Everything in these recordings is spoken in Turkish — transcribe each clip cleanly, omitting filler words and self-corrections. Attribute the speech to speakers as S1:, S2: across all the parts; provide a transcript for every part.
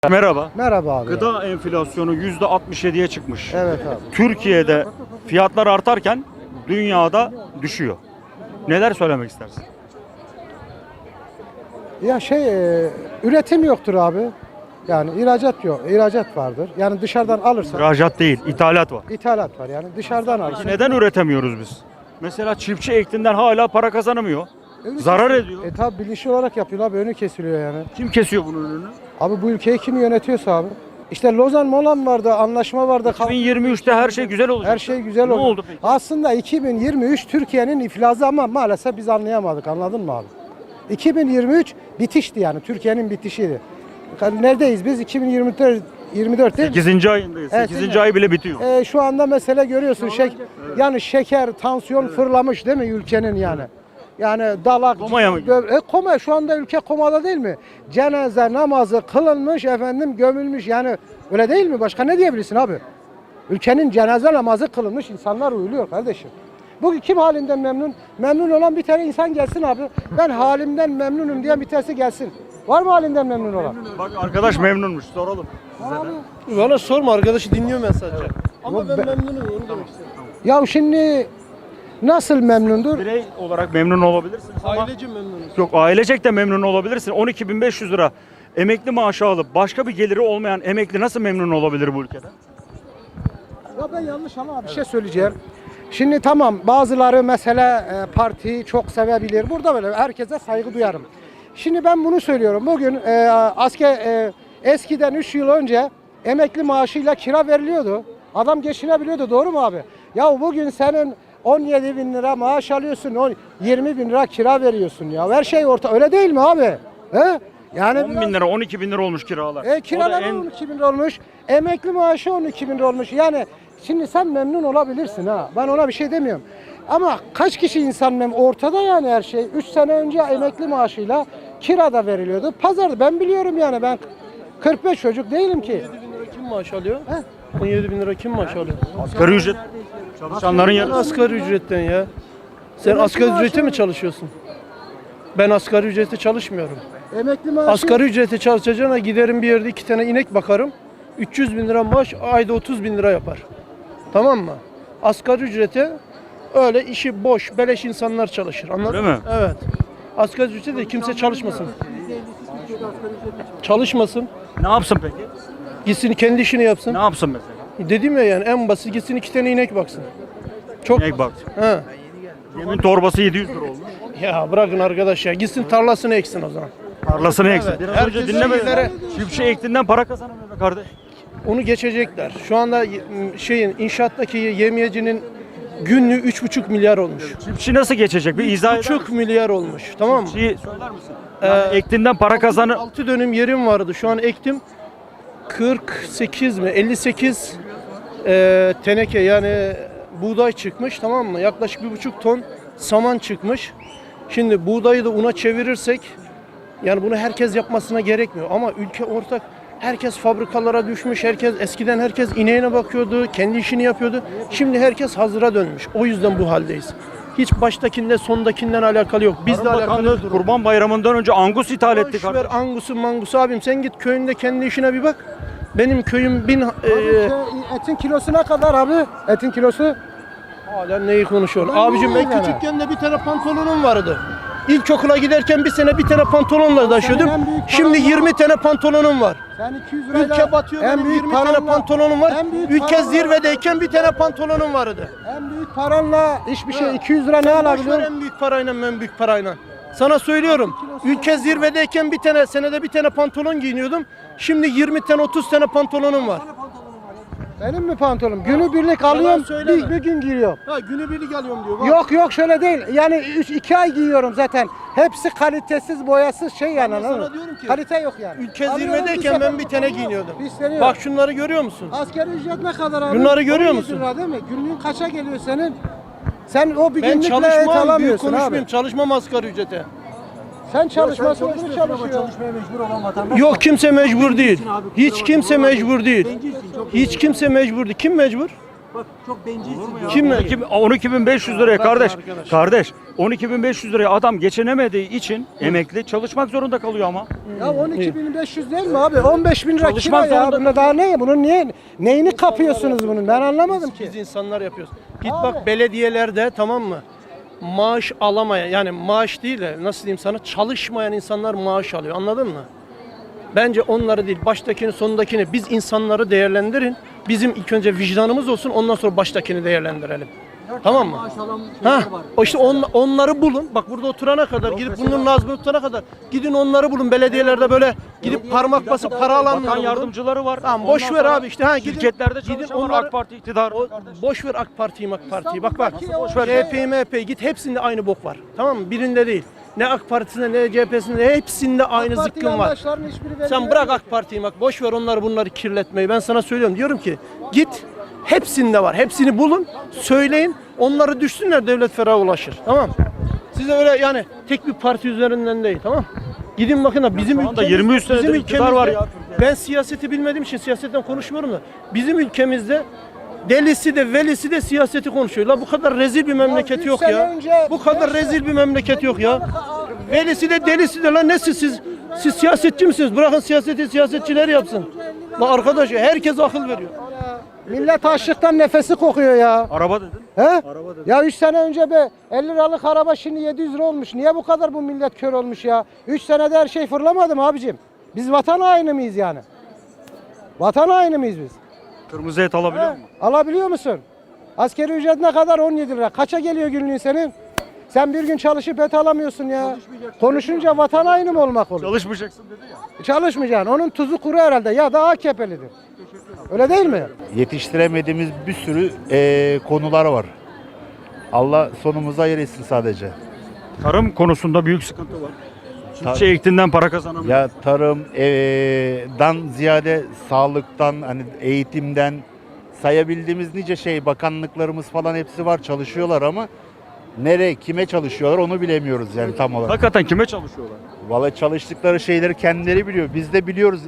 S1: Merhaba.
S2: Merhaba abi.
S1: Gıda enflasyonu %67'ye çıkmış.
S2: Evet abi.
S1: Türkiye'de fiyatlar artarken dünyada düşüyor. Neler söylemek istersin?
S2: Ya üretim yoktur abi. Yani ihracat yok. İhracat vardır. Yani dışarıdan alırsan
S1: İhracat değil, ithalat var.
S2: ithalat var. Yani dışarıdan alırsın.
S1: Neden üretemiyoruz biz? Mesela çiftçi ektiğinden hala para kazanamıyor. Zarar ediyor.
S2: Tabi bilinçli olarak yapıyor abi. Önü kesiliyor yani.
S1: Kim kesiyor bunun önünü?
S2: Abi bu ülkeyi kim yönetiyorsa abi. İşte Lozan Molan vardı, anlaşma vardı.
S1: 2023'te her şey güzel olacak.
S2: Her şey güzel
S1: Ne
S2: oldu.
S1: oldu peki?
S2: Aslında 2023 Türkiye'nin iflası ama maalesef biz anlayamadık. Anladın mı abi? 2023 bitişti yani. Türkiye'nin bitişiydi. Neredeyiz biz? 2024 değil mi?
S1: 8. ayındayız.
S2: Evet,
S1: 8. ay bile bitiyor.
S2: Şu anda mesele görüyorsun yani şeker, tansiyon fırlamış değil mi ülkenin yani? Yani dalak,
S1: Komaya mı
S2: koma şu anda ülke komada değil mi? Cenaze namazı kılınmış efendim gömülmüş yani öyle değil mi? Başka ne diyebilirsin abi? Ülkenin cenaze namazı kılınmış insanlar uyuluyor kardeşim. Bugün kim halinden memnun? Memnun olan bir tane insan gelsin abi. Ben halimden memnunum diyen bir tanesi gelsin. Var mı halinden memnun olan?
S1: Bak arkadaş memnunmuş, soralım.
S3: Valla sorma, arkadaşı dinliyorum ben sadece. Ama
S2: Yok,
S3: ben
S2: ben-
S3: memnunum, onu demek istedim.
S2: Ya şimdi nasıl memnundur?
S1: Birey olarak memnun olabilirsiniz ama
S3: Ailece memnunuz.
S1: yok, ailecek de memnun olabilirsin. 12.500 lira emekli maaşı alıp başka bir geliri olmayan emekli nasıl memnun olabilir bu ülkede?
S2: Ya ben yanlış ama bir şey söyleyeceğim. Şimdi tamam bazıları mesela partiyi çok sevebilir. Burada böyle herkese saygı duyarım. Şimdi ben bunu söylüyorum. Bugün eskiden 3 yıl önce emekli maaşıyla kira veriliyordu. Adam geçinebiliyordu, doğru mu abi? Ya bugün senin 17 bin lira maaş alıyorsun, 20 bin lira kira veriyorsun ya. Her şey orta, öyle değil mi abi? He? Yani
S1: 10 bin lira, 12 bin lira olmuş kiralar.
S2: kiralar
S1: O da en-
S2: 12 bin lira olmuş. Emekli maaşı 12 bin lira olmuş. Yani şimdi sen memnun olabilirsin ha. Ben ona bir şey demiyorum. Ama kaç kişi insan ortada yani her şey. 3 sene önce emekli maaşıyla kirada veriliyordu. Pazarda ben biliyorum yani ben 45 çocuk değilim ki.
S3: 17 bin lira kim maaş alıyor?
S2: He?
S3: 17 bin lira kim maaş alıyor?
S1: Asgari ücret çalışanların
S3: Ben
S1: yarısı.
S3: asgari ücretten ya. Sen
S2: Emekli
S3: asgari
S2: maaşı
S3: ücrete mi
S2: mı?
S3: çalışıyorsun? Ben asgari ücrete çalışmıyorum.
S2: Emekli maaşı
S3: Asgari ücrete çalışacağına giderim bir yerde 2 tane inek bakarım. 300 bin lira maaş ayda 30 bin lira yapar. Tamam mı? Asgari ücrete öyle işi boş, beleş insanlar çalışır. Anladın
S1: Öyle mi?
S3: Evet. Asgari ücrete de kimse çalışmasın. Çalışmasın.
S1: Ne yapsın peki?
S3: Gitsin kendi işini yapsın.
S1: Ne yapsın mesela?
S3: Dedim ya yani en basit gitsin 2 tane inek baksın. Çok
S1: İnek bak.
S3: He.
S1: Yemin torbası 700 lira olmuş.
S3: Ya bırakın arkadaş ya. Gitsin tarlasını eksin o zaman.
S1: Tarlasını eksin.
S3: Evet.
S1: Biraz
S3: Herkes
S1: önce dinlemedin.
S3: şeylere-
S1: Çiftçi ektiğinden para kazanamıyor be kardeş.
S3: Onu geçecekler. Şu anda inşaattaki yemiyecinin günlüğü 3,5 milyar olmuş.
S1: Çiftçi nasıl geçecek? Bir izah eder
S3: 3,5
S1: misin?
S3: milyar olmuş. Tamam mı?
S1: Çiftçiyi söyler misin? Yani ektiğinden para kazanır.
S3: 6 dönüm yerim vardı. Şu an ektim. 48 mi? 58 teneke yani buğday çıkmış, tamam mı? Yaklaşık 1,5 ton saman çıkmış. Şimdi buğdayı da una çevirirsek yani bunu herkes yapmasına gerekmiyor ama ülke ortak. Herkes fabrikalara düşmüş. Eskiden herkes ineğine bakıyordu, kendi işini yapıyordu. Şimdi herkes hazıra dönmüş. O yüzden bu haldeyiz. Hiç baştakinden sondakinden alakalı yok. Bizle
S1: Tarım
S3: alakalı
S1: Bakanlığı
S3: durum.
S1: Kurban Bayramı'ndan önce angus ithal etti
S3: Boş ver
S1: kardeş.
S3: angusu mangusu abim, sen git köyünde kendi işine bir bak. Benim köyüm
S2: etin kilosu ne kadar abi? Etin kilosu
S3: hala neyi konuşuyorsun?
S2: Ulan
S3: Abicim
S2: neyi
S3: ben
S2: yani?
S3: küçükken de bir tane pantolonum vardı. İlkokula giderken bir sene bir tane pantolonla taşıyordum.
S2: en büyük
S3: Şimdi
S2: paranla-
S3: 20 tane pantolonum var.
S2: sen 200 lirayla
S3: Ülke batıyor,
S2: en
S3: benim
S2: büyük
S3: 20 tane
S2: paranla-
S3: pantolonum var.
S2: en büyük
S3: Ülke
S2: paranla-
S3: zirvedeyken bir tane pantolonum vardı.
S2: En büyük paranla hiçbir şey
S3: Ha.
S2: 200 lira ne
S3: Boş ver
S2: alabiliyor?
S3: en büyük parayla en büyük parayla. Sana söylüyorum. Ülke zirvedeyken senede bir tane pantolon giyiniyordum. Şimdi 20 tane 30 tane pantolonum var.
S2: Benim mi pantolonum? Günübirlik alıyorum,
S3: söyleme.
S2: bir gün giyiyorum.
S3: Ha günübirlik alıyorum diyor. Bak.
S2: Yok şöyle değil. Yani 2 ay giyiyorum zaten. Hepsi kalitesiz, boyasız şey yani.
S3: Ben sana
S2: anladın mı?
S3: diyorum ki,
S2: Kalite yok yani.
S3: Ülke
S2: Alıyorum,
S3: zirvedeyken
S2: sefer
S3: ben bir tane giyiniyordum.
S2: pisleniyor.
S3: Bak şunları görüyor musun?
S2: Asgari ücret ne kadar abi?
S3: Bunları görüyor
S2: 17
S3: musun?
S2: lira değil mi? Günlüğün kaça geliyor senin? Sen o bir
S3: Ben
S2: günlükle et
S3: çalışmam, büyük
S2: alamıyorsun
S3: konuşmayayım.
S2: abi.
S3: Çalışmam asgari ücrete.
S2: Sen çalışmasın, bunu çalışıyor.
S3: Yok kimse mecbur değil. Hiç kimse mecbur değil. Hiç kimse mecbur değil. Kim mecbur?
S4: Bak çok bencilsin.
S3: Kim mecbur?
S1: 12.500 liraya
S3: Bakın
S1: kardeş.
S3: arkadaş.
S1: Kardeş 12.500 liraya adam geçinemediği için emekli çalışmak zorunda kalıyor ama.
S2: Ya 12.500 değil mi abi? 15.000 lira
S1: Çalışmak
S2: kira ya.
S1: zorunda-
S2: Bunda daha ne? Bunun neyini kapıyorsunuz bunun? Ben anlamadım ki.
S3: Biz insanlar yapıyoruz. Git
S2: Abi.
S3: bak belediyelerde, tamam mı? Maaş alamayan, yani maaş değil de nasıl diyeyim sana, çalışmayan insanlar maaş alıyor. Anladın mı? Bence onları değil, baştakini sonundakini, biz insanları değerlendirin. Bizim ilk önce vicdanımız olsun, ondan sonra baştakini değerlendirelim. Tamam mı? Ha, o işte onları bulun. Bak burada oturana kadar, gidip bunun nazmını tutana kadar gidin onları bulun. Belediyelerde böyle gidip parmak basıp para alanları
S1: Bakan
S3: bulun.
S1: yardımcıları var.
S3: Tamam, boş
S1: Ondan
S3: ver
S1: sonra
S3: abi işte, ha gidin.
S1: şirketlerde
S3: gidin
S1: çalışan var,
S3: onları-
S1: AK Parti iktidarı.
S3: Boş ver AK Parti'yi, Bak bak.
S2: Boş ver.
S3: CHP'yi, MHP'yi git, hepsinde aynı bok var. Tamam mı? Birinde değil. Ne AK Partisi'nde ne CHP'sinde, hepsinde aynı zıkkım var. Sen bırak AK Parti'yi, bak boş ver onları, bunları kirletmeyi. Ben sana söylüyorum, diyorum ki git, hepsinde var. Hepsini bulun, söyleyin. Onları düşsünler, devlet ferah ulaşır. Tamam. Size öyle yani tek bir parti üzerinden değil, tamam. Gidin bakın da bizim
S1: Şu anda
S3: ülkemizde,
S1: 23 senedir iktidar var ya.
S3: ben siyaseti bilmediğim için siyasetten konuşmuyorum da bizim ülkemizde delisi de velisi de siyaseti konuşuyor. La bu kadar rezil bir memleket
S2: üç
S3: yok
S2: sene
S3: ya.
S2: önce-
S3: Bu kadar rezil bir memleket yok ya. Velisi de delisi de, lan nesi siz siyasetçi misiniz? Bırakın siyaseti siyasetçiler yapsın. La arkadaş, herkes akıl veriyor.
S2: Millet açlıktan nefesi kokuyor ya.
S1: Araba dedin.
S2: He?
S1: Araba dedin.
S2: Ya 3 sene önce be 50 liralık araba şimdi 700 lira olmuş. Niye bu kadar bu millet kör olmuş ya? 3 senede her şey fırlamadı mı abicim? Biz vatan haini miyiz yani? Vatan haini miyiz biz?
S1: Kırmızı et alabiliyor
S2: He?
S1: musun?
S2: Alabiliyor musun? Askeri ücret ne kadar? 17 lira. Kaça geliyor günlüğün senin? Sen bir gün çalışıp et alamıyorsun ya. Konuşunca vatan haini mi olmak olur?
S1: Çalışmayacaksın dedi ya.
S2: Çalışmayacaksın. Onun tuzu kuru herhalde ya da AKP'lidir. Öyle değil mi?
S4: Yetiştiremediğimiz bir sürü konular var. Allah sonumuzu hayır etsin sadece.
S1: Tarım konusunda büyük sıkıntı var. Çiftçi ektiğinden para kazanamıyor.
S4: Ya tarımdan ziyade sağlıktan, hani eğitimden sayabildiğimiz nice şey, bakanlıklarımız falan hepsi var, çalışıyorlar ama nereye, kime çalışıyorlar onu bilemiyoruz yani tam olarak.
S1: Hakikaten kime çalışıyorlar?
S4: Vallahi çalıştıkları şeyleri kendileri biliyor. Biz de biliyoruz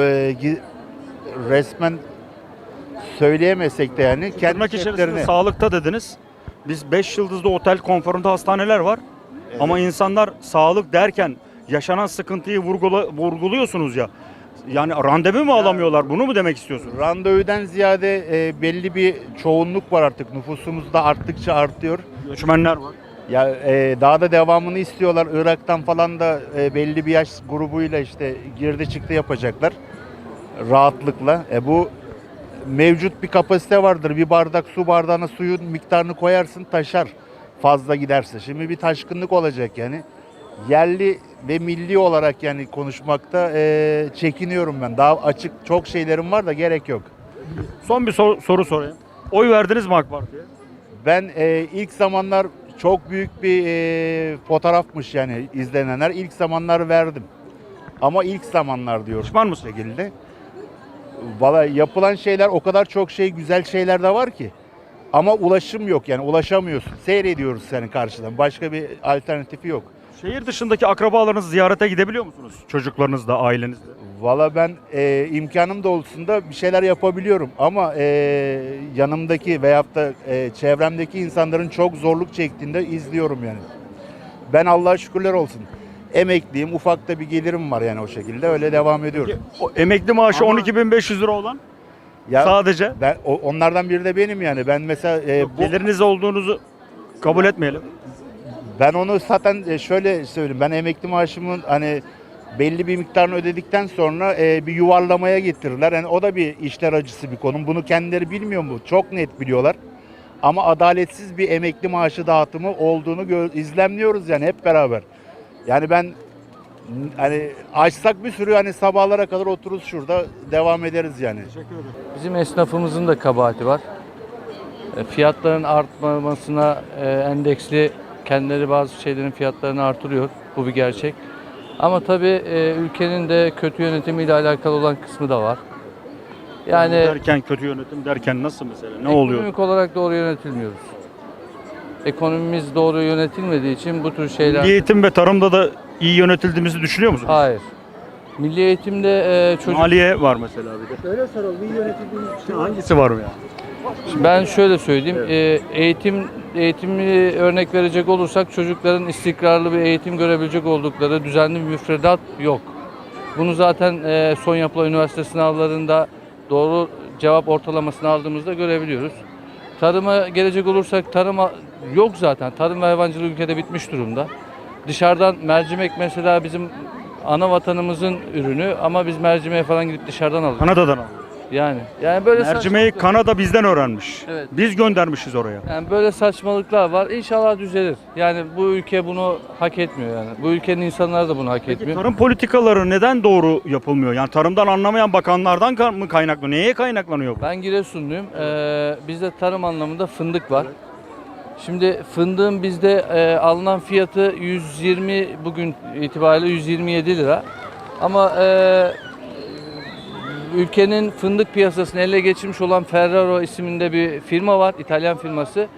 S4: resmen söyleyemesek de yani kendi
S1: Tırnak içerisinde
S4: şeflerine.
S1: sağlıkta dediniz. Biz 5 yıldızlı otel konforunda hastaneler var. Ama insanlar sağlık derken yaşanan sıkıntıyı vurguluyorsunuz ya. Yani randevu mu alamıyorlar? Bunu mu demek istiyorsunuz?
S4: Randevudan ziyade belli bir çoğunluk var artık. Nüfusumuz da arttıkça artıyor.
S1: Göçmenler var.
S4: Ya daha da devamını istiyorlar. Irak'tan falan da belli bir yaş grubuyla işte girdi çıktı yapacaklar. Rahatlıkla. Bu mevcut bir kapasite vardır. Bir bardak su bardağına suyun miktarını koyarsın taşar fazla giderse. Şimdi bir taşkınlık olacak yani. Yerli ve milli olarak yani konuşmakta çekiniyorum ben. Daha açık çok şeylerim var da gerek yok.
S1: Son bir soru sorayım. Oy verdiniz mi AK Parti'ye?
S4: Ben ilk zamanlar çok büyük bir fotoğrafmış yani izlenenler. İlk zamanlar verdim. Ama ilk zamanlar diyorum.
S1: Pişman mısın?
S4: Şekilde. Valla yapılan şeyler o kadar çok şey, güzel şeyler de var ki. Ama ulaşım yok yani ulaşamıyorsun. Seyrediyoruz senin karşıdan. Başka bir alternatifi yok.
S1: Şehir dışındaki akrabalarınızı ziyarete gidebiliyor musunuz? Çocuklarınızla, ailenizle.
S4: Valla ben imkanım da olsun da bir şeyler yapabiliyorum. Ama yanımdaki veyahut da çevremdeki insanların çok zorluk çektiğinde izliyorum yani. Ben Allah'a şükürler olsun. Emekliyim, ufak da bir gelirim var yani o şekilde. Öyle devam ediyorum.
S1: O emekli maaşı
S4: Ama-
S1: 12.500 lira olan
S4: Ya
S1: sadece
S4: ben onlardan biri de benim yani. Ben mesela
S1: geliriniz olduğunuzu kabul etmeyelim.
S4: ben onu zaten şöyle söyleyeyim. Ben emekli maaşımın hani belli bir miktarını ödedikten sonra bir yuvarlamaya getirirler. Yani o da bir işler acısı bir konu. Bunu kendileri bilmiyor mu? Çok net biliyorlar. Ama adaletsiz bir emekli maaşı dağıtımı olduğunu izlemliyoruz yani hep beraber. Yani ben hani açsak bir sürü hani sabahlara kadar otururuz şurada devam ederiz yani.
S5: Bizim esnafımızın da kabahati var. Fiyatların artmamasına endeksli kendileri bazı şeylerin fiyatlarını artırıyor. Bu bir gerçek. Ama tabii ülkenin de kötü yönetimiyle alakalı olan kısmı da var. Yani
S1: derken kötü yönetim derken nasıl mesela? Ne oluyor?
S5: ekonomik olarak doğru yönetilmiyoruz. Ekonomimiz doğru yönetilmediği için bu tür şeyler...
S1: Milli eğitim ve tarımda da iyi yönetildiğimizi düşünüyor musunuz?
S5: Hayır. Milli eğitimde çocuk...
S1: Maliye var mesela bir de.
S2: Şöyle soralım, iyi yönetildiğiniz
S1: Hangisi var mı ya?
S5: Ben şöyle söyleyeyim, eğitimi örnek verecek olursak çocukların istikrarlı bir eğitim görebilecek oldukları düzenli bir müfredat yok. Bunu zaten son yapılan üniversite sınavlarında doğru cevap ortalamasını aldığımızda görebiliyoruz. Tarıma gelecek olursak yok zaten. Tarım ve hayvancılık ülkede bitmiş durumda. Dışarıdan mercimek mesela bizim ana vatanımızın ürünü ama biz mercimeğe falan gidip dışarıdan alıyoruz.
S1: Kanada'dan alıyor.
S5: Yani böyle
S1: Mercimeği Kanada bizden öğrenmiş.
S5: Evet.
S1: Biz göndermişiz oraya.
S5: Yani böyle saçmalıklar var. İnşallah düzelir. Yani bu ülke bunu hak etmiyor yani. Bu ülkenin insanları da bunu hak
S1: Peki
S5: etmiyor.
S1: tarım politikaları neden doğru yapılmıyor? Yani tarımdan anlamayan bakanlardan mı kaynaklı? Neye kaynaklanıyor bu?
S5: Ben Giresunluyum. Bizde tarım anlamında fındık var. Şimdi fındığın bizde alınan fiyatı 120 bugün itibariyle 127 lira. Ama ülkenin fındık piyasasını ele geçirmiş olan Ferrero isminde bir firma var, İtalyan firması.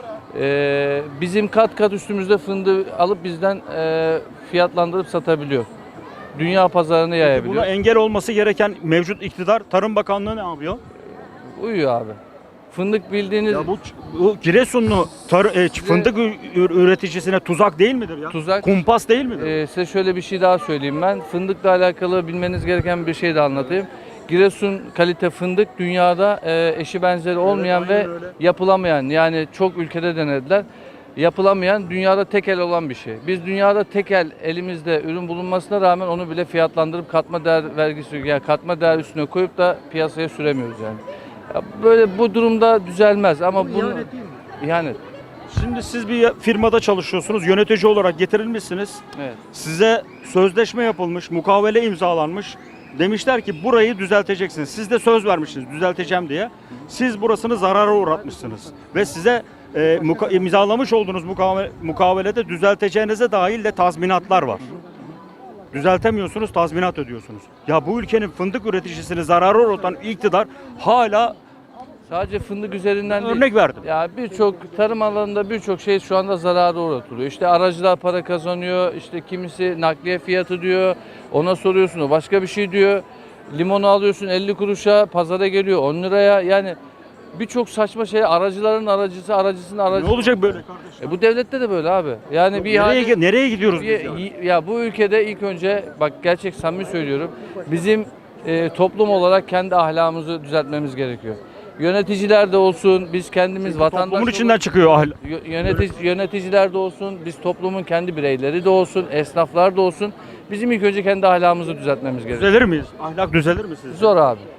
S5: Bizim kat kat üstümüzde fındığı alıp bizden fiyatlandırıp satabiliyor. Dünya pazarına yayabiliyor.
S1: Buna engel olması gereken mevcut iktidar, Tarım Bakanlığı ne yapıyor?
S5: Uyuyor abi. Fındık bildiğiniz
S1: Ya bu Giresunlu fındık üreticisine tuzak değil midir ya?
S5: Tuzak.
S1: Kumpas değil midir?
S5: Size şöyle bir şey daha söyleyeyim ben. Fındıkla alakalı bilmeniz gereken bir şey de anlatayım. Giresun kalite fındık dünyada eşi benzeri olmayan ve
S1: aynen öyle.
S5: yapılamayan, yani çok ülkede denediler. Yapılamayan, dünyada tek el olan bir şey. Biz dünyada tek el elimizde ürün bulunmasına rağmen onu bile fiyatlandırıp katma değer vergisi, yani katma değer üstüne koyup da piyasaya süremiyoruz yani. Ya böyle bu durumda düzelmez ama bunu ihanet.
S1: Şimdi siz bir firmada çalışıyorsunuz, yönetici olarak getirilmişsiniz.
S5: Evet.
S1: Size sözleşme yapılmış, mukavele imzalanmış. Demişler ki burayı düzelteceksiniz. Siz de söz vermişsiniz düzelteceğim diye. Siz burasını zarara uğratmışsınız. Ve size imzalamış olduğunuz mukavelede düzelteceğinize dair de tazminatlar var. Düzeltemiyorsunuz, tazminat ödüyorsunuz. Ya bu ülkenin fındık üreticisini zarara uğratan iktidar hala
S5: Sadece fındık üzerinden değil.
S1: örnek verdim.
S5: Ya birçok tarım alanında birçok şey şu anda zarara uğratılıyor. İşte aracılar para kazanıyor, işte kimisi nakliye fiyatı diyor, ona soruyorsun o başka bir şey diyor. Limonu alıyorsun 50 kuruşa, pazara geliyor 10 liraya. Yani birçok saçma şey, aracıların aracısı, aracısının
S1: Ne
S5: aracısı.
S1: olacak böyle kardeşim?
S5: Bu devlette de böyle abi. Yani bir ihale...
S1: Nereye gidiyoruz biz ya?
S5: Ya bu ülkede ilk önce bak gerçek samimi söylüyorum. Bizim toplum olarak kendi ahlakımızı düzeltmemiz gerekiyor. Yöneticiler de olsun, biz kendimiz vatandaş
S1: Toplumun içinden
S5: olarak-
S1: çıkıyor ahlak.
S5: Yöneticiler de olsun, biz toplumun kendi bireyleri de olsun, esnaflar da olsun. Bizim ilk önce kendi ahlakımızı düzeltmemiz gerekiyor.
S1: Düzelir miyiz? Ahlak düzelir mi sizce?
S5: Zor abi.